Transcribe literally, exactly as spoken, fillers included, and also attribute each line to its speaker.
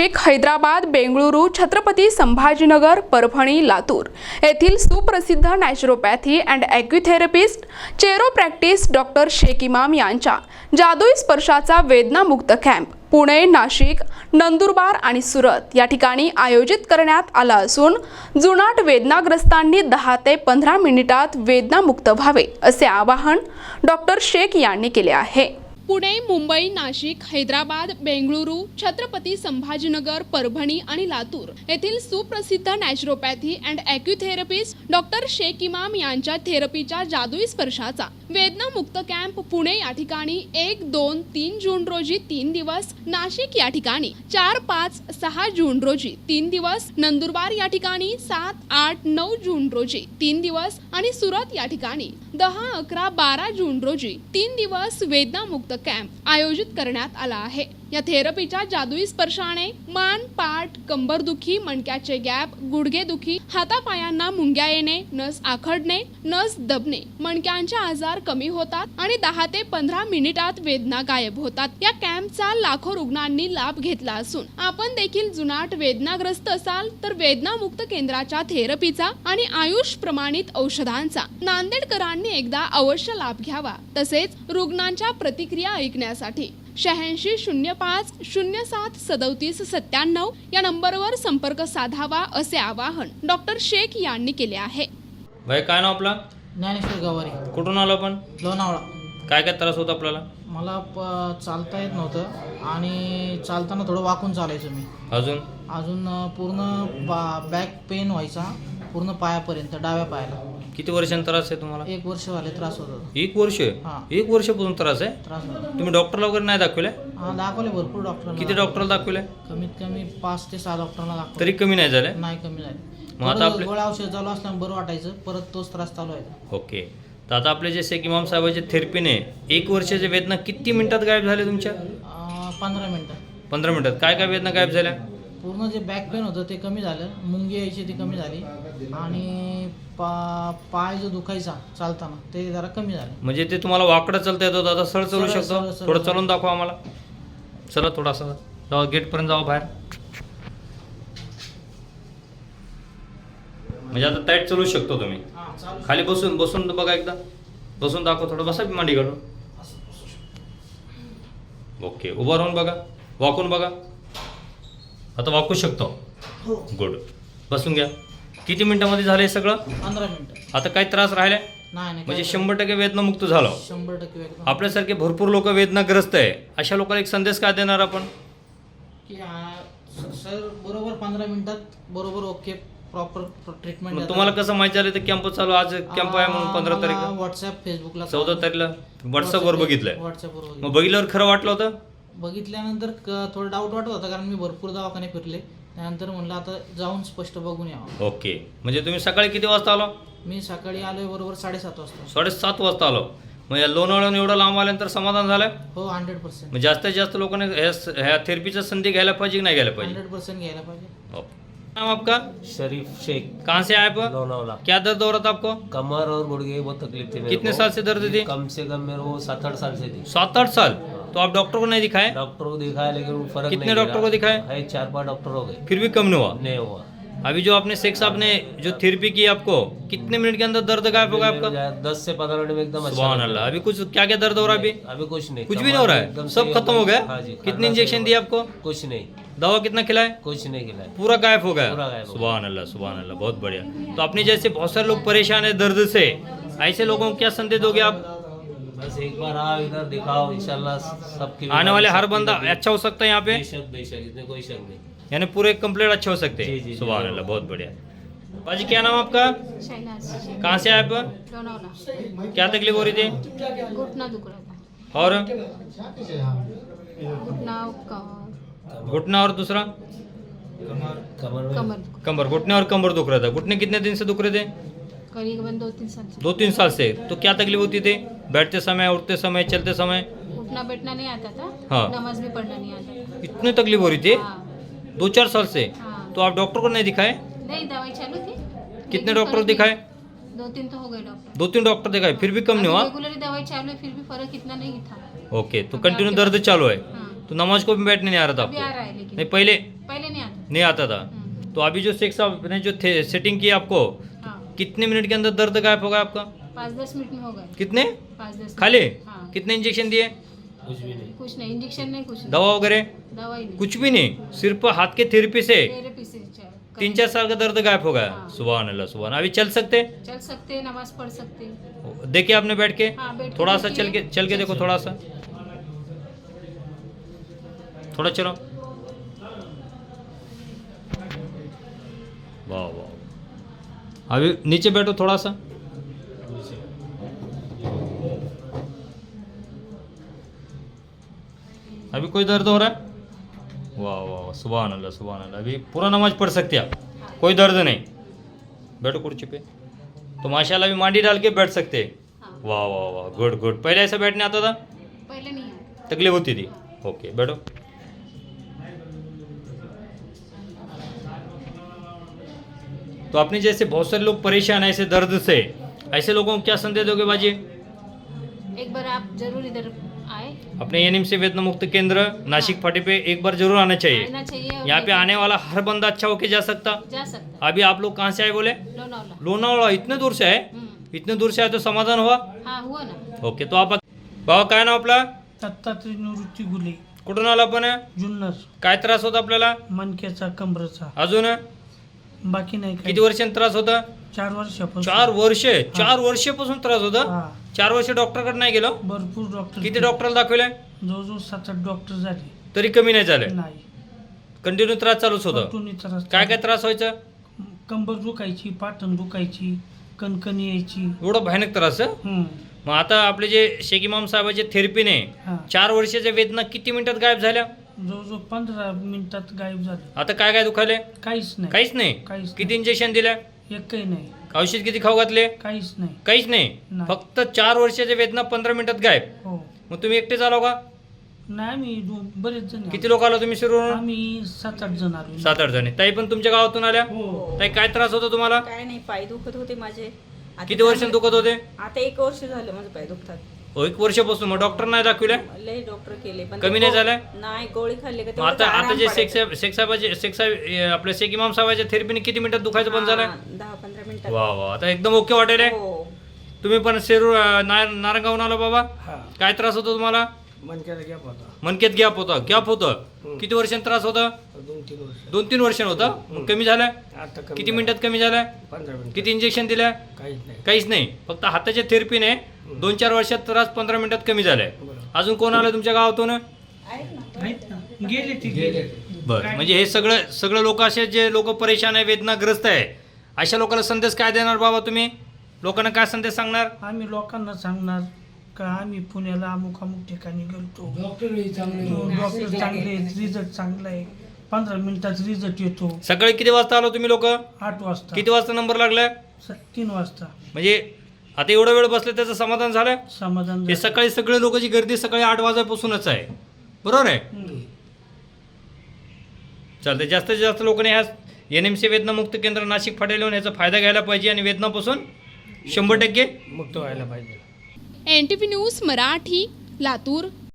Speaker 1: नाशिक, हैदराबाद, बेंगळुरू, छत्रपती संभाजीनगर, परभणी, लातूर येथील सुप्रसिद्ध naturopathy and acutherapist chiropractic doctor Shaikh Imam यांच्या जादुई स्पर्शाचा वेदनामुक्त कॅम्प पुणे, नाशिक, नंदुरबार आणि सुरत या ठिकाणी आयोजित करण्यात आला असून जुनाट वेदनाग्रस्तांनी दहा ते पंधरा मिनिटात वेदनामुक्त व्हावे असे आवाहन डॉक्टर शेख यांनी केले आहे। पुणे, मुंबई, नाशिक, हैदराबाद, बेंगळुरू, छत्रपती संभाजीनगर, परभणी आणि लातूर येथील सुप्रसिद्ध naturopathy and acutherapist doctor Shaikh Imam यांच्या थेरपीच्या जादुई स्पर्शाचा वेदनामुक्त कॅम्प पुणे या ठिकाणी एक, दोन, तीन जून रोजी तीन दिवस, नाशिक या ठिकाणी चार, पाच, सहा जून रोजी तीन दिवस, नंदुरबार या ठिकाणी सात, आठ, नऊ जून रोजी तीन दिवस आणि सुरत या ठिकाणी दहा, अकरा, बारा जून रोजी तीन दिवस वेदनामुक्त कॅम्प आयोजित करण्यात आला आहे। या थेरपीच्या जादुई स्पर्शाने मान, पाठ, कंबरदुखी, मणक्याचे गॅप, गुडघेदुखी, हातापायांना मुंग्या येणे, नस आखडणे, नस दबणे, मणक्यांचे आजार कमी होतात आणि दहा ते पंधरा मिनिटात वेदना गायब होतात। या कॅम्पचा लाखो रुग्णांनी लाभ घेतला असून आपण देखील जुनाट वेदनाग्रस्त असाल तर वेदनामुक्त केंद्राच्या थेरपीचा आणि आयुष प्रमाणित औषधांचा नांदेडकरांनी एकदा अवश्य लाभ घ्यावा। तसेच रुग्णांच्या प्रतिक्रिया ऐकण्यासाठी शहाऐंशी शून्य पाच शून्य सात सदोतीस सत्त्याण्णव या नंबरवर संपर्क साधावा असे आवाहन डॉक्टर शेख यांनी केले आहे।
Speaker 2: भाई काय नाव आपला?
Speaker 3: ज्ञानेश्वर गवारी।
Speaker 2: कुठून आलो आपण?
Speaker 3: लोणावळा।
Speaker 2: काय काय त्रास होता आपल्याला?
Speaker 3: मला प चालता येत नव्हतं आणि चालताना थोडं वाकून चालायचो मी।
Speaker 2: अजून
Speaker 3: अजून पूर्ण बॅक पेन व्हायचा पूर्ण पायापर्यंत, डाव्या पायाला।
Speaker 2: किती वर्षांचा त्रास आहे तुम्हाला?
Speaker 3: एक वर्ष झाले त्रास होत होता।
Speaker 2: एक वर्ष?
Speaker 3: हां।
Speaker 2: एक वर्षापासून त्रास आहे?
Speaker 3: त्रास होता।
Speaker 2: तुम्ही डॉक्टरला वगैरे नाही दाखवले?
Speaker 3: हां, दाखवले भरपूर डॉक्टरांना।
Speaker 2: किती डॉक्टरला दाखवले?
Speaker 3: कमीत कमी पाच ते सहा डॉक्टरांना दाखवले
Speaker 2: तरी कमी नाही झाले?
Speaker 3: नाही कमी झाले।
Speaker 2: मग आता आपले
Speaker 3: गोळ्या औषध चालू असल्यामुळे बरं वाटायचं, परत तोच त्रास चालू आहे।
Speaker 2: ओके, तर आता आपले जे शेख इमाम साहेबांच्या थेरपीने एक वर्षाच्या वेदना किती मिनिटात गायब झाले तुमच्या?
Speaker 3: पंधरा मिनिटं।
Speaker 2: पंधरा मिनिटात काय काय वेदना गायब झाल्या?
Speaker 3: पूर्ण जे बॅक पेन होतं ते कमी झालं, मुंगी यायची ती कमी झाली आणि पा पाय जो दुखायचा चालताना ते जरा कमी झालं।
Speaker 2: म्हणजे ते तुम्हाला वाकडं चालता येत होतं, आता सरळ चालू
Speaker 3: सरळ,
Speaker 2: शकतो?
Speaker 3: सरळ, सरळ.
Speaker 2: थोडं चालून दाखवा आम्हाला। चला थोडासा जाऊ, गेटपर्यंत जाऊ बाहेर। म्हणजे आता टाईट चालू शकतो तुम्ही? खाली बसून बसून बघा, एकदा बसून दाखव, थोडं बसा मांडी काढून। ओके, उभं राहून बघा, वाकून बघा, आता वाकू शकतो? गुड, बसून घ्या। किती मिनिटांमध्ये झालं हे सगळं?
Speaker 3: पंधरा मिनिटं।
Speaker 2: आता काही त्रास राहिले
Speaker 3: नाही नाही,
Speaker 2: म्हणजे शंभर टक्के वेदनामुक्त झालो?
Speaker 3: शंभर टक्के एकदम।
Speaker 2: आपल्यासारखे भरपूर लोक वेदनाग्रस्त आहे, अशा लोकांना एक संदेश काय देणार आपण?
Speaker 3: की सर बरोबर पंधरा मिनिटात बरोबर ओके, प्रॉपर ट्रीटमेंट।
Speaker 2: मग तुम्हाला कसं माहिती झालं तर कॅम्प चालू, आज कॅम्प आहे म्हणून? पंधरा तारीखला
Speaker 3: व्हॉट्सअप, फेसबुकला,
Speaker 2: चौदा तारीखला व्हॉट्सअपवर बघितलंय?
Speaker 3: व्हॉट्सअपवर
Speaker 2: मग बघितल्यावर खरं वाटलं होतं?
Speaker 3: बघितल्यानंतर थोडं डाऊट वाटत होता, कारण मी भरपूर दवाखाने फिरले, त्यानंतर म्हणलं आता जाऊन स्पष्ट बघून यावं।
Speaker 2: ओके, म्हणजे तुम्ही सकाळी किती वाजता आलो?
Speaker 3: मी सकाळी आलोय बरोबर साडेसात वाजता।
Speaker 2: साडेसात वाजता आलो, मग या लोणावळ्याहून एवढं लांब आल्यानंतर समाधान झालं?
Speaker 3: हो, हंड्रेड पर्सेंट।
Speaker 2: मग जास्तीत जास्त लोकांनी ह्या थेरपीचा संधी घ्यायला पाहिजे की नाही घ्यायला पाहिजे?
Speaker 3: हंड्रेड पर्सेंट घ्यायला पाहिजे।
Speaker 2: ओके, नाम आपका?
Speaker 4: शरीफ शेख।
Speaker 2: कहाँ से आए आप?
Speaker 4: लोनावला।
Speaker 2: क्या दर्द हो रहा था आपको?
Speaker 4: कमर और गुड़गे बहुत तकलीफ थी मेरे
Speaker 2: कितने
Speaker 4: को।
Speaker 2: साल से दर्द थी?
Speaker 4: कम से कम मेरे को सात आठ साल से थी।
Speaker 2: सात आठ साल? तो आप डॉक्टर को नहीं दिखाए?
Speaker 4: डॉक्टर को दिखाया लेकिन फर्क
Speaker 2: कितने
Speaker 4: नहीं
Speaker 2: डॉक्टर को दिखाए?
Speaker 4: है, चार पांच डॉक्टर हो गए,
Speaker 2: फिर भी कम नहीं हुआ?
Speaker 4: नहीं हुआ।
Speaker 2: अभी जो आपने शेख साहब ने जो थेरेपी की आपको, कितने मिनट के अंदर दर्द गायब होगा आपका?
Speaker 4: दस से पंद्रह मिनट में एकदम अच्छा
Speaker 2: सुभान
Speaker 4: लगता है।
Speaker 2: अल्लाह। अभी कुछ क्या क्या दर्द हो रहा है अभी?
Speaker 4: अभी कुछ नहीं,
Speaker 2: कुछ भी नहीं हो रहा
Speaker 4: एकदम
Speaker 2: है?
Speaker 4: सही
Speaker 2: सब खत्म हो गया?
Speaker 4: हाँ जी।
Speaker 2: कितने
Speaker 4: खाना
Speaker 2: इंजेक्शन
Speaker 4: सही
Speaker 2: दिए
Speaker 4: हो
Speaker 2: आपको?
Speaker 4: गया। कुछ नहीं।
Speaker 2: दवा कितना खिलाए?
Speaker 4: कुछ नहीं खिलाया,
Speaker 2: पूरा गायब हो गया?
Speaker 4: पूरा गायब हो गया।
Speaker 2: सुभान अल्लाह, सुभान अल्लाह, बहुत बढ़िया। तो अपने जैसे बहुत सारे लोग परेशान है दर्द से, ऐसे लोगों को क्या संदेश दोगे आप?
Speaker 4: बस एक बार आओ इधर, दिखाओ, इंशाल्लाह सबकी
Speaker 2: आने वाले हर बंदा अच्छा हो सकता है यहाँ पे?
Speaker 4: बेशक बेशक, इसमें कोई शक नहीं।
Speaker 2: यानी पूरे कंप्लीट अच्छे हो सकते
Speaker 4: जी, जी,
Speaker 2: हैं?
Speaker 4: जी,
Speaker 2: सुभान
Speaker 4: जी।
Speaker 2: अल्लाह, बहुत बढ़िया। बाजी, क्या नाम आपका?
Speaker 5: शहनाज।
Speaker 2: कहाँ से आए आप?
Speaker 5: लोनावला।
Speaker 2: क्या तकलीफ हो रही थी?
Speaker 5: घुटना दुख रहा था।
Speaker 2: और
Speaker 5: घुटना, क-
Speaker 2: घुटना और दूसरा?
Speaker 4: कमर में
Speaker 5: कमर दुख,
Speaker 2: कमर, घुटने और कमर दुख रहा था। घुटने कितने दिन से दुख रहे थे?
Speaker 5: करीबन दो तीन साल से।
Speaker 2: दो तीन साल से। तो क्या तकलीफ होती थी? बैठते समय, उठते समय, चलते समय?
Speaker 5: उठना बैठना नहीं आता था,
Speaker 2: हाँ।
Speaker 5: नमाज भी पढ़ना नहीं आता
Speaker 2: इतनी तकलीफ हो रही थी?
Speaker 5: था। हाँ।
Speaker 2: दो चार साल से?
Speaker 5: हाँ।
Speaker 2: तो आप डॉक्टर को नहीं दिखाए?
Speaker 5: नहीं, दवाई चालू थी।
Speaker 2: कितने
Speaker 5: लेकिन
Speaker 2: डॉक्टर
Speaker 5: फर्क
Speaker 2: दिखाए?
Speaker 5: नहीं- दो तीन तो हो गए डॉक्टर।
Speaker 2: दो तीन डॉक्टर दिखाए, फिर भी कम नहीं हुआ?
Speaker 5: रेगुलरली दवाई चालू है, फिर भी फर्क इतना नहीं था।
Speaker 2: ओके, तो कंटिन्यू दर्द चालू है?
Speaker 5: हाँ।
Speaker 2: तो नमाज को भी बैठने नहीं आ रहा था
Speaker 5: अभी आ
Speaker 2: आपको?
Speaker 5: रहा है लेकिन
Speaker 2: नहीं, पहले?
Speaker 5: पहले
Speaker 2: नहीं आता था।
Speaker 5: हम्म,
Speaker 2: तो अभी जो शेख साहब ने जो सेटिंग की आपको,
Speaker 5: हाँ
Speaker 2: कितने मिनट के अंदर दर्द गायब होगा आपका?
Speaker 5: पाँच दस मिनट में हो गए।
Speaker 2: कितने?
Speaker 5: पाँच दस मिनट।
Speaker 2: खाली?
Speaker 5: हाँ
Speaker 2: कितने इंजेक्शन दिए?
Speaker 4: कुछ भी नहीं।
Speaker 5: कुछ नहीं, इंजेक्शन नहीं, कुछ नहीं,
Speaker 2: दवा वगैरह?
Speaker 5: दवाई नहीं,
Speaker 2: कुछ भी नहीं, सिर्फ हाथ के थेरेपी से
Speaker 5: थेरेपी से चा-
Speaker 2: तीन चार साल का दर्द गायब हो गया।
Speaker 5: हाँ।
Speaker 2: सुभान अल्लाह सुभान। अभी चल सकते?
Speaker 5: चल सकते हैं, नमाज पढ़ सकते हैं।
Speaker 2: देखे आपने बैठ के?
Speaker 5: हाँ, बैठ के
Speaker 2: थोड़ा सा
Speaker 5: देखिए।
Speaker 2: चल के चल के देखो, थोड़ा सा थोड़ा चलो। वाह वाह। अभी नीचे बैठो थोड़ा सा। अभी कोई दर्द हो रहा है? वाह वाह, सुभान अल्लाह सुभान अल्लाह। अभी पूरा नमाज पढ़ सकते आप, कोई दर्द नहीं। बैठो कुर्सी पे। तो माशाल्लाह अभी मांडी डाल के बैठ सकते हैं।
Speaker 5: हाँ,
Speaker 2: वाह वाह वाह, गुड गुड। पहले ऐसा बैठने आता था?
Speaker 5: पहले नहीं आता।
Speaker 2: तकलीफ होती थी? ओके, बैठो। तो आपने जैसे बहुत सारे लोग परेशान हैं ऐसे दर्द से, ऐसे लोगों को क्या संदेश दोगे बाजी?
Speaker 5: एक बार आप जरूर इधर आए,
Speaker 2: अपने एनिम से वेदना मुक्त केंद्र नासिक फाटे पे एक बार जरूर आना चाहिए।
Speaker 5: आना चाहिए। और
Speaker 2: यहाँ पे आने वाला हर बंदा अच्छा होके जा सकता।
Speaker 5: जा सकता
Speaker 2: अभी आप लोग कहाँ से आए बोले?
Speaker 5: है। लोनावला।
Speaker 2: लोनावाला। इतने दूर से आए?
Speaker 5: हम्म,
Speaker 2: इतने दूर से आए तो समाधान हुआ?
Speaker 5: हाँ हुआ ना।
Speaker 2: ओके, तो आप बाबा काय नाव आपला?
Speaker 3: दत्तात्रय निवृत्ती गुले,
Speaker 2: कुठून आला आपण?
Speaker 3: जुन्नर.
Speaker 2: काय त्रास होता आपल्याला?
Speaker 3: मणक्याचा, कमरेचा.
Speaker 2: अजून
Speaker 3: बाकी नाही
Speaker 2: किती
Speaker 3: काही.
Speaker 2: वर्षांनी त्रास होता?
Speaker 3: चार वर्षापासून.
Speaker 2: चार वर्ष चार वर्षापासून त्रास होता?
Speaker 3: हा.
Speaker 2: चार वर्ष डॉक्टरकडे नाही गेलो?
Speaker 3: भरपूर डॉक्टर.
Speaker 2: किती डॉक्टरला दाखवले
Speaker 3: जवळजवळ सात आठ डॉक्टर झाले.
Speaker 2: तरी कमी नाही झाले?
Speaker 3: नाही.
Speaker 2: कंटिन्यू त्रास चालूच होता?
Speaker 3: कंटिन्यू त्रास.
Speaker 2: काय काय त्रास व्हायचा?
Speaker 3: कंबर दुखायची, पाठण दुखायची, कणकणी यायची.
Speaker 2: एवढा भयानक त्रास आहे?
Speaker 3: हम्म.
Speaker 2: मग आता आपले जे शेख इमाम साहेबांच्या थेरपीने
Speaker 3: हा.
Speaker 2: चार वर्षाच्या वेदना किती मिनिटात गायब झाल्या?
Speaker 3: जवळजवळ पंधरा मिनिटात गायब झाले.
Speaker 2: आता काय काय दुखायले?
Speaker 3: काहीच नाही.
Speaker 2: काहीच नाही?
Speaker 3: काहीच
Speaker 2: किती इंजेक्शन दिल्या?
Speaker 3: एकही नाही.
Speaker 2: औषध किती खाऊ घातले?
Speaker 3: काहीच नाही.
Speaker 2: काहीच नाही?
Speaker 3: नाही.
Speaker 2: फक्त चार वर्षाच्या वेदना पंधरा मिनिटात गायब.
Speaker 3: हो.
Speaker 2: मग तुम्ही एकटे आलो का?
Speaker 3: नाही, आम्ही दो- बरेच जण आलो.
Speaker 2: किती लोक आलो तुम्ही शिरूर?
Speaker 3: आम्ही सात आठ जण आलो.
Speaker 2: सात आठ जणी. ताई पण तुमच्या गावातून आल्या?
Speaker 3: हो.
Speaker 2: ताई काय त्रास होता तुम्हाला?
Speaker 6: काय नाही, पाय दुखत होते माझे. आता
Speaker 2: किती वर्षांनी दुखत होते?
Speaker 6: आता एक वर्ष झालं माझं पाय दुखतात.
Speaker 2: हो, एक वर्षापासून. मग डॉक्टर नाही दाखविल्या?
Speaker 6: लय डॉक्टर केले पण
Speaker 2: कमी
Speaker 6: ते
Speaker 2: नाही
Speaker 6: गो-
Speaker 2: झालंय?
Speaker 6: नाही, गोळी खाल्ली का
Speaker 2: मग
Speaker 6: तेवढंच
Speaker 2: आता आता
Speaker 6: आराम
Speaker 2: जे शेख
Speaker 6: पडायचा.
Speaker 2: साहेब शेख साहेबाचे शेख साहेब अं, आपल्या शेख इमाम साहेबाच्या थेरपीने किती मिनिटात दुखायचं बंद झालं?
Speaker 6: हा, दहा पंधरा मिनिटात.
Speaker 2: वा वा, आता एकदम ओके वाटेल आहे?
Speaker 6: हो.
Speaker 2: तुम्ही पण शेरूर अं, नार- नारंगावून आलो बाबा?
Speaker 3: हा.
Speaker 2: काय त्रास होतो तुम्हाला?
Speaker 3: मनक्याला गॅप होता.
Speaker 2: मनकेत गॅप होता? गॅप होतं? किती वर्षांनी त्रास होता?
Speaker 3: दोन तीन वर्ष.
Speaker 2: दोन तीन वर्षांनी होता? मग कमी झालाय?
Speaker 3: आता
Speaker 2: किती मिनिटात कमी झालाय?
Speaker 3: पंधरा मिनिट.
Speaker 2: किती इंजेक्शन दिल्या?
Speaker 3: काहीच नाही.
Speaker 2: काहीच नाही, फक्त हाताच्या थेरपीने दोन चार वर्षात त्रास पंधरा मिनिटात कमी झालाय. अजून कोण आलं तुमच्या गावातून?
Speaker 3: आहेत ना. गेले ती गेले.
Speaker 2: बरं, म्हणजे हे सगळं सगळं लोक असे जे लोक परेशान आहे, वेदनाग्रस्त आहे, अशा लोकांना संदेश काय देणार बाबा तुम्ही? लोकांना काय संदेश सांगणार?
Speaker 3: आम्ही लोकांना सांगणार का आम्ही पुण्याला अमुक अमुक ठिकाणी गेलतो. डॉक्टर चांगले, रिझल्ट चांगला आहे. पंधरा मिनिटात रिझल्ट येतो.
Speaker 2: सकाळी किती वाजता आलो तुम्ही लोक?
Speaker 3: आठ वाजता.
Speaker 2: किती वाजता नंबर लागलाय?
Speaker 3: स- तीन वाजता.
Speaker 2: म्हणजे आता एवढा वेळ बसले त्याचं समाधान झालं?
Speaker 3: समाधान
Speaker 2: हे
Speaker 3: झालं.
Speaker 2: सकाळी सगळे लोकांची गर्दी सकाळी आठ वाजल्यापासूनच आहे, बरोबर आहे?
Speaker 3: हम्म.
Speaker 2: चालते. जास्तीत जास्त लोकांनी ह्या एन एम सी वेदनामुक्त केंद्र नाशिक फाट्याला येऊन याचा फायदा घ्यायला पाहिजे आणि वेदनापासून शंभर टक्के
Speaker 3: मुक्त व्हायला पाहिजे.
Speaker 1: N T V news Marathi, Latur.